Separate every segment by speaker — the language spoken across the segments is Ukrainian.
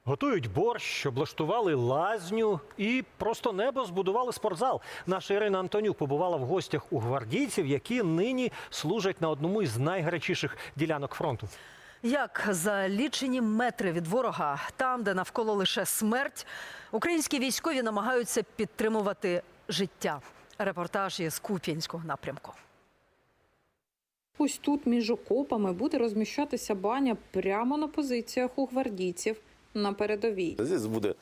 Speaker 1: Готують борщ, облаштували лазню і просто небо збудували спортзал. Наша Ірина Антонюк побувала в гостях у гвардійців, які нині служать на одному із найгарячіших ділянок фронту.
Speaker 2: Як за лічені метри від ворога, там, де навколо лише смерть, українські військові намагаються підтримувати життя. Репортаж із Куп'янського напрямку.
Speaker 3: Ось тут між окопами буде розміщатися баня прямо на позиціях у гвардійців на передовій.
Speaker 4: Тут буде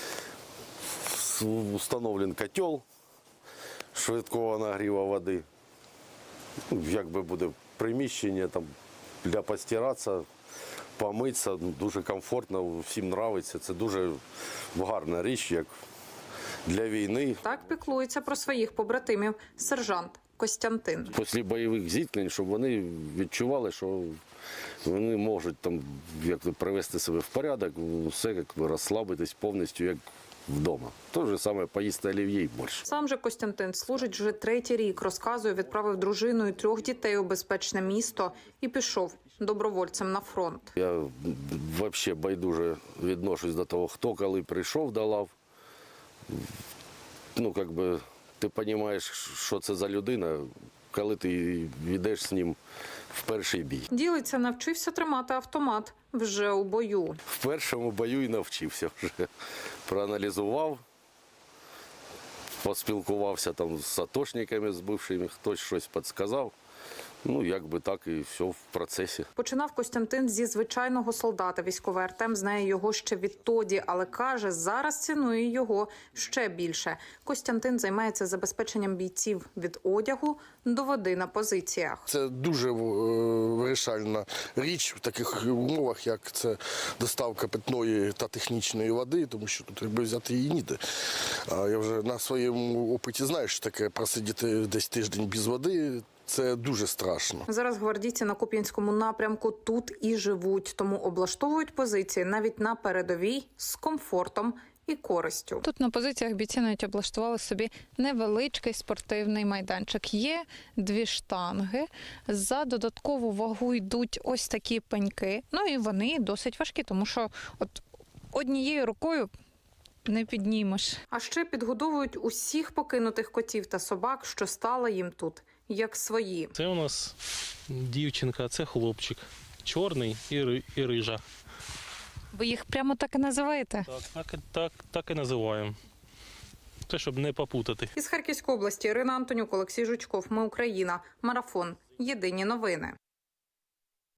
Speaker 4: встановлений котел швидкого нагріву води. Якби буде приміщення там для постиратися, помитися, дуже комфортно, всім подобається. Це дуже гарна річ, як для війни.
Speaker 3: Так піклується про своїх побратимів сержант Костянтин.
Speaker 4: Після бойових зіткнень, щоб вони відчували, що вони можуть там привести себе в порядок, все розслабитись повністю, як вдома. Те ж саме поїсти олів'є і борщ.
Speaker 3: Сам же Костянтин служить вже 3-й рік. Розказує, відправив дружину і 3 дітей у безпечне місто і пішов добровольцем на фронт.
Speaker 4: Я взагалі байдуже відношусь до того, хто коли прийшов до лав. Ну, якби ти розумієш, що це за людина, коли ти йдеш з ним в перший бій.
Speaker 3: Ділиться, навчився тримати автомат вже у бою.
Speaker 4: В першому бою і навчився вже. Проаналізував, поспілкувався там з атошниками, з бившими, хтось щось підказав. Ну, якби так і все в процесі.
Speaker 3: Починав Костянтин зі звичайного солдата. Військовий Артем знає його ще відтоді, але каже, зараз цінує його ще більше. Костянтин займається забезпеченням бійців від одягу до води на позиціях.
Speaker 5: Це дуже вирішальна річ в таких умовах, як це доставка питної та технічної води, тому що тут якби взяти її ніде. А я вже на своєму опиті знаю, що таке просидіти десь тиждень без води. Це дуже страшно.
Speaker 3: Зараз гвардійці на Куп'янському напрямку тут і живуть, тому облаштовують позиції навіть на передовій з комфортом і користю.
Speaker 6: Тут на позиціях бійці навіть облаштували собі невеличкий спортивний майданчик. Є 2 штанги, за додаткову вагу йдуть ось такі пеньки. Ну і вони досить важкі, тому що от однією рукою не піднімеш.
Speaker 3: А ще підгодовують усіх покинутих котів та собак, що стали їм тут, як свої.
Speaker 7: Це у нас дівчинка, це хлопчик. Чорний і рижа.
Speaker 6: Ви їх прямо так і називаєте?
Speaker 7: Так і називаємо. Те, щоб не попутати.
Speaker 3: Із Харківської області Ірина Антонюк, Олексій Жучков. Ми Україна. Марафон. Єдині новини.